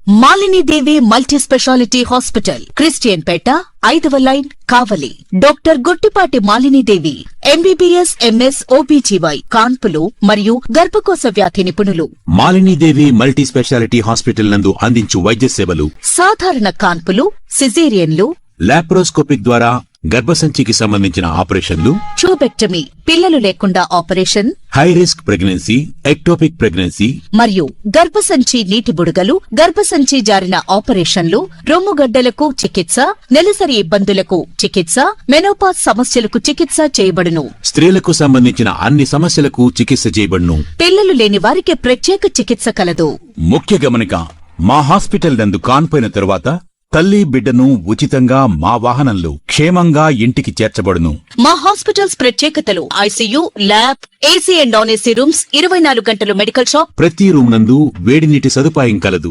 Malini Devi multi speciality hospital, Christian పేట, 5వ line, Kavali. Doctor Guttipati Malini Devi, MBBS, MS, OBGY, కాన్పులు మరియు గర్భకోశ వ్యాధి నిపుణులు. Malini Devi multi speciality hospital నందు అందించు వైద్య సేవలు: సాధారణ కాన్పులు, సిజేరియన్లు, లాప్రోస్కోపిక్ ద్వారా గర్భసంచికి సంబంధించిన ఆపరేషన్లు, ట్యూబెక్టమీ, పిల్లలు లేకుండా operation, high risk pregnancy, ectopic pregnancy మరియు గర్భసంచి నీటి బుడగలు, గర్భసంచి జారిన ఆపరేషన్లు, రొమ్ముగడ్డలకు చికిత్స, నెలసరి ఇబ్బందులకు చికిత్స, మెనోపాజ్ సమస్యలకు చికిత్స చేయబడును. స్త్రీలకు సంబంధించిన అన్ని సమస్యలకు చికిత్స చేయబడును. పిల్లలు లేని వారికి ప్రత్యేక చికిత్స కలదు. ముఖ్య గమనిక: మా హాస్పిటల్ నందు కాన్పోయిన తరువాత తల్లి బిడ్డను ఉచితంగా మా వాహనంలో క్షేమంగా ఇంటికి చేర్చబడును. మా హాస్పిటల్స్ ప్రత్యేకతలు: ICU, lab, AC and non AC rooms, 24 గంటలు మెడికల్ షాప్, ప్రతి రూమ్ నందు వేడి నీటి సదుపాయం కలదు.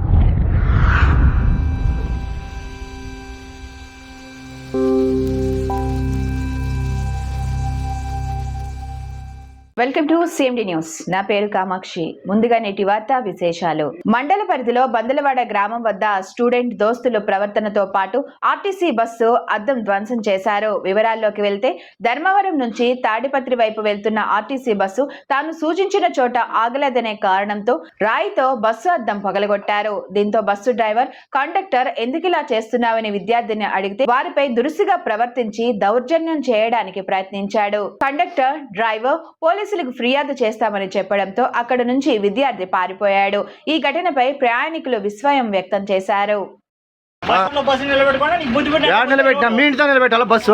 Welcome to CMD news. నా పేరు కామాక్షి. ముందుగా నేటి వార్తా విశేషాలు. మండల పరిధిలో బందలవాడ గ్రామం వద్ద స్టూడెంట్ దోస్తుల ప్రవర్తనతో పాటు ఆర్టీసీ బస్సు అద్దం ధ్వంసం చేశారు. వివరాల్లోకి వెళ్తే, ధర్మవరం నుంచి తాడిపత్రి వైపు వెళ్తున్న ఆర్టీసీ బస్సు తాను సూచించిన చోట ఆగలేదనే కారణంతో రాయితో బస్సు అద్దం పగలగొట్టారు. దీంతో బస్సు డ్రైవర్, కండక్టర్ ఎందుకిలా చేస్తున్నావని విద్యార్థిని అడిగితే వారిపై దురుసుగా ప్రవర్తించి దౌర్జన్యం చేయడానికి ప్రయత్నించాడు. కండక్టర్, డ్రైవర్ పోలీసులకు ఫిర్యాదు చేస్తామని చెప్పడంతో అక్కడ నుంచి విద్యార్థి పారిపోయాడు. ఈ ఘటనపై ప్రయాణికులు విస్మయం వ్యక్తం చేశారు. నిలబెట్టాలా బస్సు?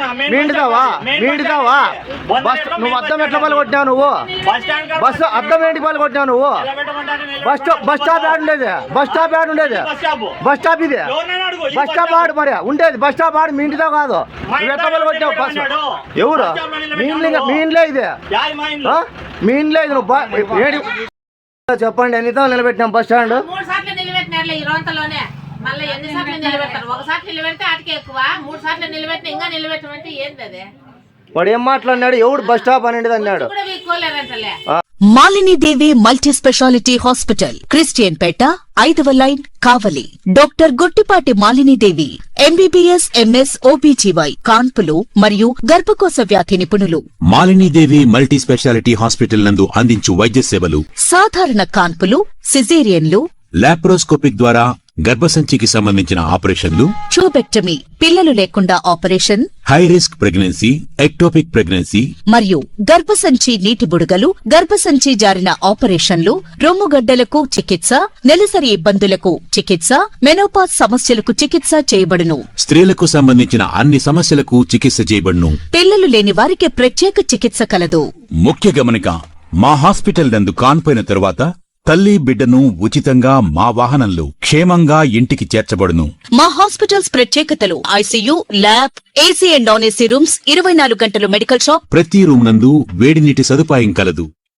నువ్వు అద్దం ఎట్లా పలగొట్టినావు? నువ్వు బస్సు అద్దం ఏంటి పలగొట్టినావు? నువ్వు బస్ స్టాప్ యాడ్ ఉండేది, బస్ స్టాప్ యాడ్ ఉండేది, బస్ స్టాప్ ఇది బస్ స్టాప్ ఆడు మరి ఉండేది, బస్ స్టాప్ ఆడు మీ ఇంటితో కాదు. నువ్వు ఎట్లా పలగొట్టావు బస్సు? ఎవరు మీ ఇంట్లో ఇది? మీ ఇంట్లో ఇది నువ్వు చెప్పండి. ఎన్నితో నిలబెట్టినాం బస్ స్టాండ్? మళ్ళీ ఎన్నిసార్లు నిలబెడతారు? ఒకసారి నిలబెడితే ఆటికి ఎక్కువ, 3 సార్లు నిలబెట్టిన ఇంకా నిలబెట్టమంటే ఏంది అది? వాడు ఏం మాట్లాడినాడు? ఎవడు బస్ స్టాప్ అనేది అన్నాడు. Malini Devi multi speciality hospital, Christian పేట, 5వ line, Kavali. Doctor Guttipati Malini Devi, MBBS, MS, OBGY, కాన్పులు మరియు గర్భకోశ వ్యాధి నిపుణులు. Malini Devi multi speciality hospital నందు అందించు వైద్య సేవలు: సాధారణ కాన్పులు, సిజేరియన్లు, లాప్రోస్కోపిక్ ద్వారా గర్భసంచికి సంబంధించిన ఆపరేషన్లు, ట్యూబెక్టమీ, పిల్లలు లేకుండా operation, high risk pregnancy, ectopic pregnancy మరియు గర్భసంచి నీటి బుడగలు, గర్భసంచి జారిన ఆపరేషన్లు, రొమ్ముగడ్డలకు చికిత్స, నెలసరి ఇబ్బందులకు చికిత్స, మెనోపాజ్ సమస్యలకు చికిత్స చేయబడును. స్త్రీలకు సంబంధించిన అన్ని సమస్యలకు చికిత్స చేయబడును. పిల్లలు లేని వారికి ప్రత్యేక చికిత్స కలదు. ముఖ్య గమనిక: మా హాస్పిటల్ నందు కాన్పోయిన తరువాత తల్లి బిడ్డను ఉచితంగా మా వాహనంలో క్షేమంగా ఇంటికి చేర్చబడును. మా హాస్పిటల్స్ ప్రత్యేకతలు: ICU, lab, AC and non AC rooms, 24 గంటలు మెడికల్ షాప్, ప్రతి రూమ్ నందు వేడి నీటి సదుపాయం కలదు.